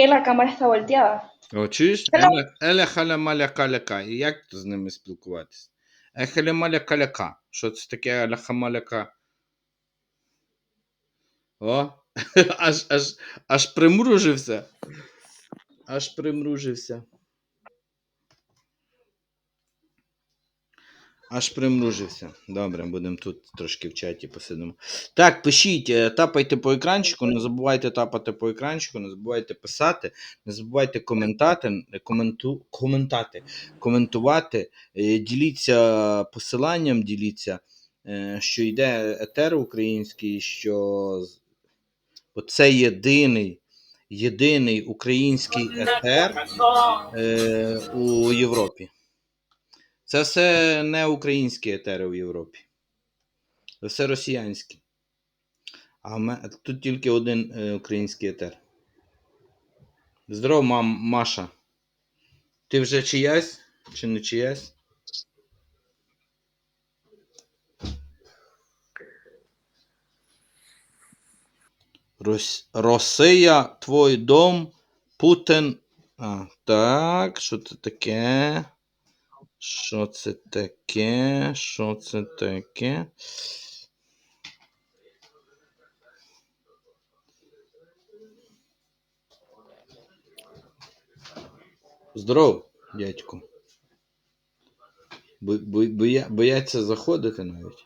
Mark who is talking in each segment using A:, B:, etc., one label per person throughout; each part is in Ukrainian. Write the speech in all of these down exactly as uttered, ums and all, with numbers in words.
A: La cámara está volteada.
B: О, чуєш? Еле, еле халя маля каляка. І як з ними спілкуватися? Ехеле маля каляка. Що це таке еля хамаляка? О, аж, аж, аж примружився. Аж примружився. Аж примружився. Добре, будемо тут трошки в чаті посидимо. Так, пишіть, тапайте по екранчику, не забувайте тапати по екранчику, не забувайте писати, не забувайте коментати, коменту, коментати, коментувати, діліться посиланням, діліться, що йде етер український, що це єдиний, єдиний український етер е, у Європі. Це все не українські етери в Європі. Це все росіянські. А ми... тут тільки один е, український етер. Здоров, мам, Маша. Ти вже чиясь? Чи не чиясь? Рос... Росія, твій дом, Путін. А, так, що це таке? Що це таке? Що це таке? Здоров, дядько. Бо, бо, боя, бояться заходити навіть.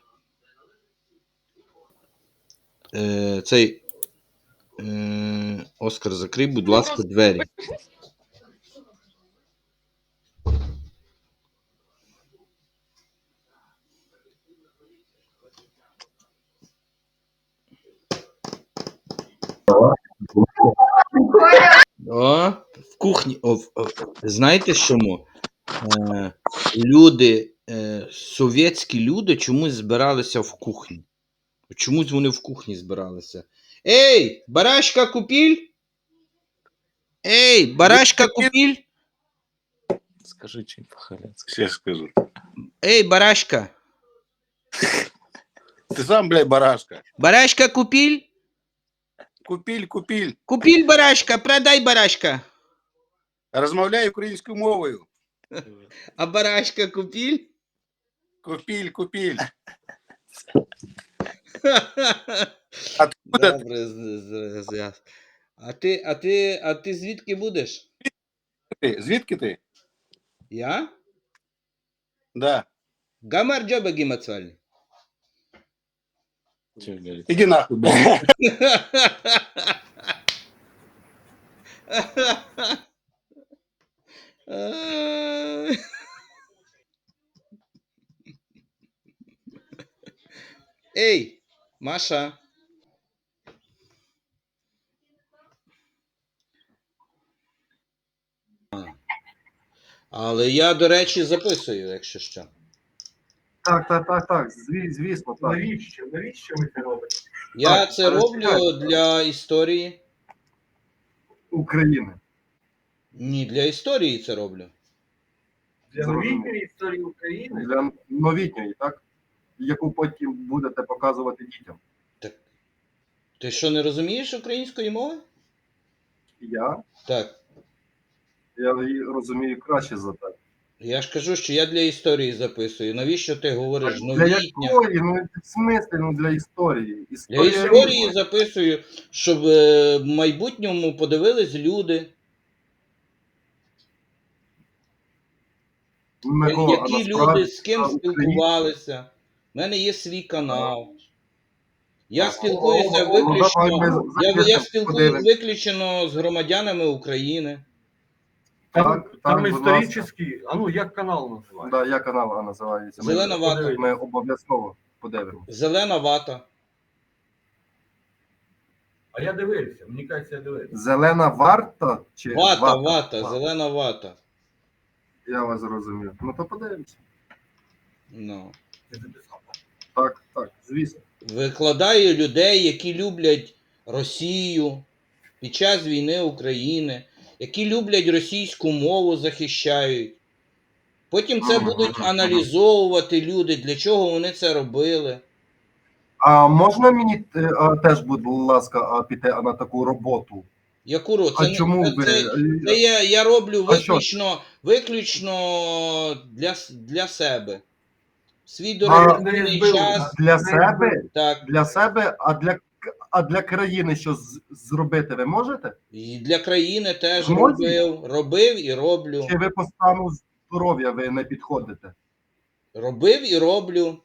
B: Е, цей е, Оскар, закрий, будь ласка, двері. О, в кухні. О, о, знаєте чому? Е, люди, е, совєтські люди чомусь збиралися в кухні. Чомусь вони в кухні збиралися. Ей, барашка купіль? Ей, барашка купіль?
C: Скажи что-нибудь по-хорянски. Сейчас скажу.
B: Ей, барашка.
C: Ты сам, блядь, барашка.
B: Барашка купіль?
C: Купіль, купіль.
B: Купіль барашка, продай барашка.
C: Розмовляй українською мовою.
B: А барашка купіль?
C: Купіль, купіль.
B: Добре, з- з- з- а ти, а ти, а ти звідки будеш?
C: Ти, звідки ти?
B: Я?
C: Да.
B: Гамар джоба гімацвальний.
C: Іди нахуй, блядь.
B: Ей, Маша. Але я, до речі, записую, якщо що.
D: Так, так, так, так, зві- звісно, так.
E: Навіщо? Навіщо ви це робите?
B: Я
D: Так,
B: це роблю
D: розповідайте.
B: для історії.
D: України.
B: Ні, для історії це роблю.
E: Для
D: Зрозуміло.
E: новітньої історії України?
D: Для новітньої, так? Яку потім будете показувати дітям.
B: Так. Ти що, не розумієш української мови?
D: Я?
B: Так.
D: Я її розумію краще за те.
B: Я ж кажу, що я для історії записую. Навіщо ти говориш
D: Для
B: новітня?
D: якої? Ну, в смислі, ну, для історії.
B: Для
D: Історія
B: історії
D: різна.
B: записую, щоб е, в майбутньому подивились люди,
D: Микола, а
B: які
D: насправді
B: люди з ким
D: це українська.
B: спілкувалися. У мене є свій канал. Я
D: О,
B: спілкуюся
D: о, о, ну, давай
B: виключно.
D: ми
B: Я, я
D: запишемо,
B: спілкуюся
D: подивимось.
B: виключно з громадянами України.
E: Там,
D: Так,
E: там
D: так, будь ласка.
E: історичний, а ну як канал називається?
D: Да, я канал називається. Ми-
B: Зелена вата.
D: Ми обов'язково подивимося.
B: Зелена вата.
E: А я дивився, мені кажеться, я дивився.
D: Зелена варта чи
B: Вата, вата,
D: Вата.
B: зелена вата.
D: Я вас зрозумів. Ну то подивимося.
B: Ну.
E: Я записав.
D: Так, так, звісно.
B: Викладаю людей, які люблять Росію під час війни України, які люблять російську мову, захищають. Потім це будуть аналізовувати люди, для чого вони це робили.
D: А можна мені е, а, теж, будь ласка, а, піти а, на таку роботу?
B: Яку роль? Це,
D: А
B: не-
D: чому
B: це,
D: ви?
B: це, це я, я роблю
D: А що?
B: виключно, виключно для, с- для себе. Свій
D: А,
B: дорогоцінний час.
D: Для себе?
B: Так,
D: Для себе, а для, к- а для країни що з- зробити ви можете?
B: і для країни теж
D: Змозі?
B: робив. Робив і роблю.
D: Чи ви по стану здоров'я ви не підходите?
B: Робив і роблю.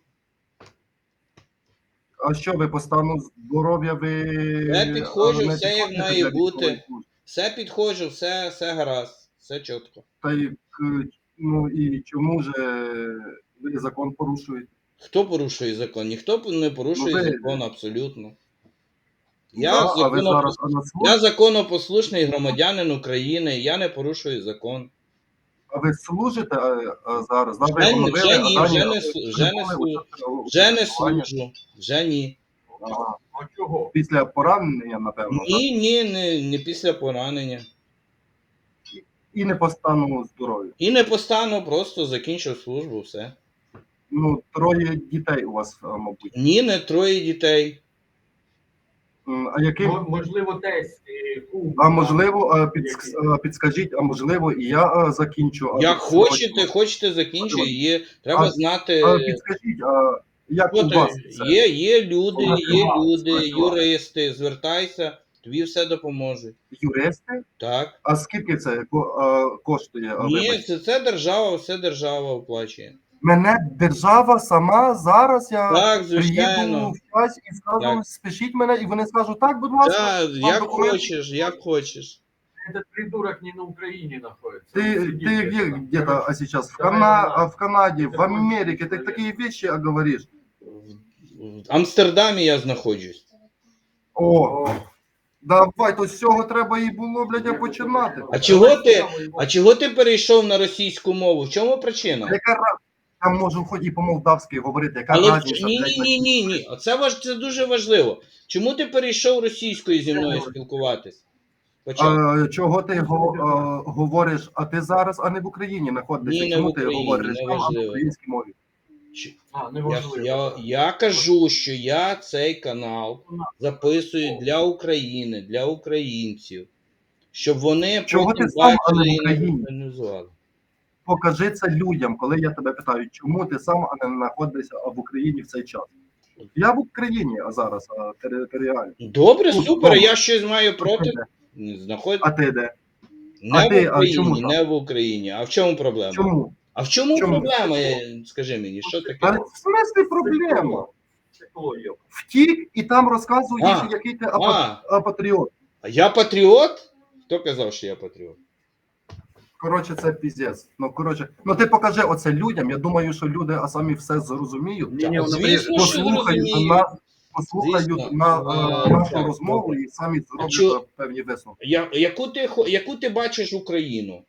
D: А що ви по стану здоров'я ви
B: Я підходжу,
D: а, не
B: все як
D: підходите
B: має
D: для
B: бути.
D: військової служби?
B: Все підходжу, все, все гаразд, все чітко.
D: Та й к- ну і чому ж е, ви закон порушуєте?
B: Хто порушує закон? Ніхто не порушує
D: Ну, ви-
B: закон абсолютно. Я,
D: Да, а ви
B: законопос-
D: зараз а на службі?
B: я законопослушний громадянин України, я не порушую закон.
D: А ви служите а, а зараз? Да, ви
B: Вже,
D: оновили,
B: вже
D: а
B: ні,
D: дані
B: вже не,
D: ви
B: слу- вже не,
D: прибули
B: слу-
D: у-
B: вже не
D: спілкування?
B: служу. Вже ні.
D: Ага.
E: А чого?
D: Після поранення, напевно, так?
B: Ні, ні, не, не після поранення.
D: І не по стану здоров'я.
B: І не постану, просто закінчив службу, все.
D: Ну, троє дітей у вас, а, мабуть.
B: Ні, не троє дітей.
D: М, А яким?
E: Мо- Можливо, десь. е, кум,
D: А можливо, а, підск- а, підскажіть, а можливо, і я а, закінчу. а,
B: Як
D: срочно.
B: хочете, хочете закінчити, є. Треба
D: А-
B: знати.
D: А, підскажіть, а як
B: Що
D: у
B: ти-
D: вас це?
B: Є, є люди,
D: Вона
B: є
D: права,
B: люди,
D: спрацювала.
B: юристи, звертайся, тобі все допоможуть.
D: Юристи?
B: Так.
D: А скільки це ко- а, коштує? а,
B: Ні,
D: вибачте?
B: це, це держава, все держава оплачує.
D: Мене держава сама зараз я
B: Так,
D: приїду
B: звичайно.
D: в час і скажу,
B: Так.
D: спишіть мене, і вони скажуть, так, будь ласка.
B: Так,
D: вам
B: як
D: документи.
B: хочеш, як хочеш.
E: Этот придурок не на Украине находится.
D: Ты,
E: Он сидит
D: ты где,
E: там.
D: где-то а сейчас? В,
E: Давай,
D: Кана...
E: давай.
D: а в Канаде, в
E: Давай.
D: Америке, ты такие вещи а, говоришь.
B: В в Амстердамі я знаходжусь.
D: О, давай, то з цього треба і було, блядь, а починати.
B: А чого ти, а чого ти перейшов на російську мову? В чому причина?
D: Яка ra- Я можу хоч і по-молдавськи говорити, яка
B: Але в-
D: разниця,
B: ні,
D: блядь,
B: ні, ні, ні, ні. Оце важ це дуже важливо. Чому ти перейшов російською зі мною спілкуватись? Почав.
D: А, чого ти го, а, говориш, а ти зараз, а не в Україні знаходишся?
B: Ні, не
D: Чому
B: в
D: ти
B: Україні,
D: говориш там, а в
B: неважливо.
D: українській мові?
B: Чи-
E: А,
B: Я,
E: неважливо.
B: я, я кажу, що я цей канал записую для України, для українців, щоб вони
D: Чого
B: потім
D: ти сам, а не в
B: бачили і не
D: Україні?
B: організували.
D: Покажи це людям, коли я тебе питаю, чому ти сам а не знаходишся в Україні в цей час? Я в Україні, а зараз а, територіально.
B: Добре,
D: Ну,
B: супер,
D: добре.
B: я щось маю
D: А ти
B: проти.
D: де?
B: Знаход...
D: А ти де?
B: Не
D: а ти-
B: в
D: а
B: Україні,
D: чому так?
B: не в Україні. А в чому проблема?
D: Чому?
B: А в чому,
D: Чому?
B: проблема? Е, Скажи мені, що таке?
D: А в смислі проблема?
E: Психологія.
D: Втік і там розказуєш,
B: А.
D: який ти
B: А.
D: апа- а, патріот.
B: А я патріот? Хто казав, що я патріот?
D: Коротше, це піздець. Ну, коротше, ну ти покажи оце людям. Я думаю, що люди а самі все зрозуміють.
E: Ні, ні,
B: Так,
E: вона
B: звісно, що
D: послухають
B: зрозуміють.
D: на послухають
B: Звісно.
D: на
B: Е,
D: е, нашу
B: так,
D: розмову
B: добре.
D: і самі зроблять
B: чо-
D: е, певні висновки.
B: Я, яку, ти, хо- яку ти бачиш Україну?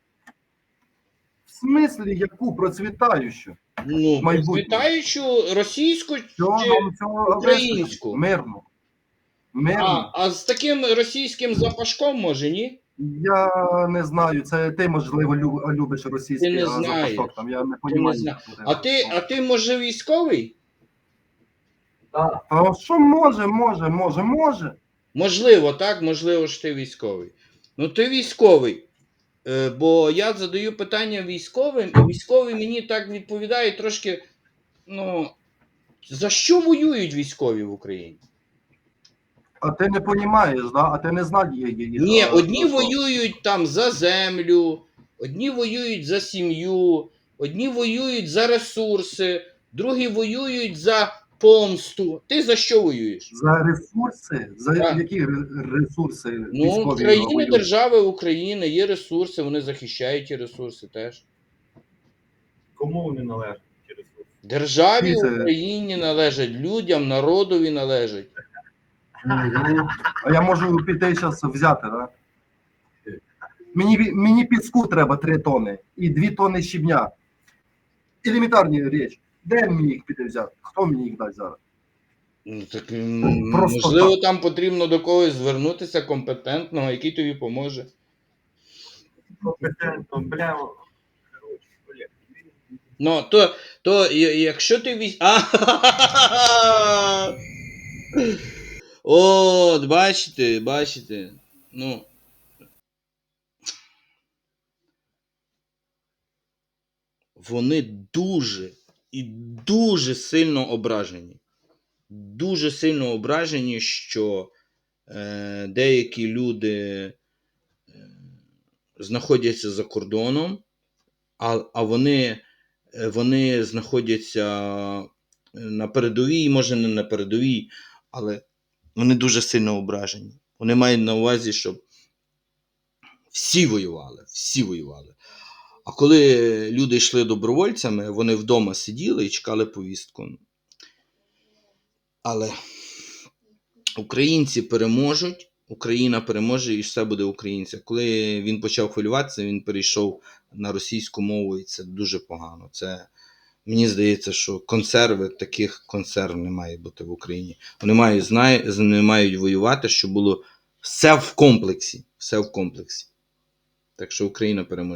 D: В смислі, яку процвітаючу?
B: Ну,
D: Майбутнє.
B: процвітаючу російську
D: Чого
B: чи...
D: вам цього
B: українську?
D: вистачить? Мирно. Мирно.
B: А, а з таким російським запашком, може, ні?
D: Я не знаю, це ти, можливо, лю- любиш російський
B: Ти не
D: а,
B: знаєш.
D: запашок. Там, я не
B: Ти не
D: розумію.
B: зна- А ти, а ти може, військовий?
E: Так.
D: А що може, може, може, може.
B: Можливо, так, можливо, що ти військовий. Ну, ти військовий. Е, бо я задаю питання військовим, і військовий мені так відповідає трошки. Ну, за що воюють військові в Україні?
D: А ти не розумієш, да? А ти не знаєш її.
B: Ні, одні воюють там за землю, одні воюють за сім'ю, одні воюють за ресурси, другі воюють за помсту. Ти за що воюєш?
D: За ресурси? За
B: Так.
D: які ре- ресурси
B: Ну,
D: військові
B: країни,
D: воюють?
B: держави України є ресурси, вони захищають ті ресурси теж.
E: Кому вони належать через це?
B: Державі
D: Це-
B: Україні належать, людям, народові належать.
D: Мгм. А я можу піти зараз взяти, да? Мені, ві- мені піску треба три тони і дві тони щебня. Елементарні річ. Де мені їх піти взяти? Хто мені їх дасть зараз?
B: Ну, так, м,
D: Просто
B: можливо,
D: так.
B: там потрібно до когось звернутися компетентного, який тобі поможе.
E: Компетентно, бля. Коротше, бля.
B: Ну, то, то я- якщо ти вісь... А! От, бачите, бачите. ну, вони дуже і дуже сильно ображені. Дуже сильно ображені, що е, деякі люди е, знаходяться за кордоном, а, а вони, е, вони знаходяться на передовій, може не на передовій, але вони дуже сильно ображені. Вони мають на увазі, щоб всі воювали, всі воювали. А коли люди йшли добровольцями, вони вдома сиділи і чекали повістку. Але українці переможуть, Україна переможе і все буде українця. Коли він почав хвилюватися, він перейшов на російську мову, і це дуже погано. Це, мені здається, що консерви, таких консерв не має бути в Україні. Вони мають, знає, вони мають воювати, щоб було все в комплексі. Все в комплексі. Так що Україна переможе.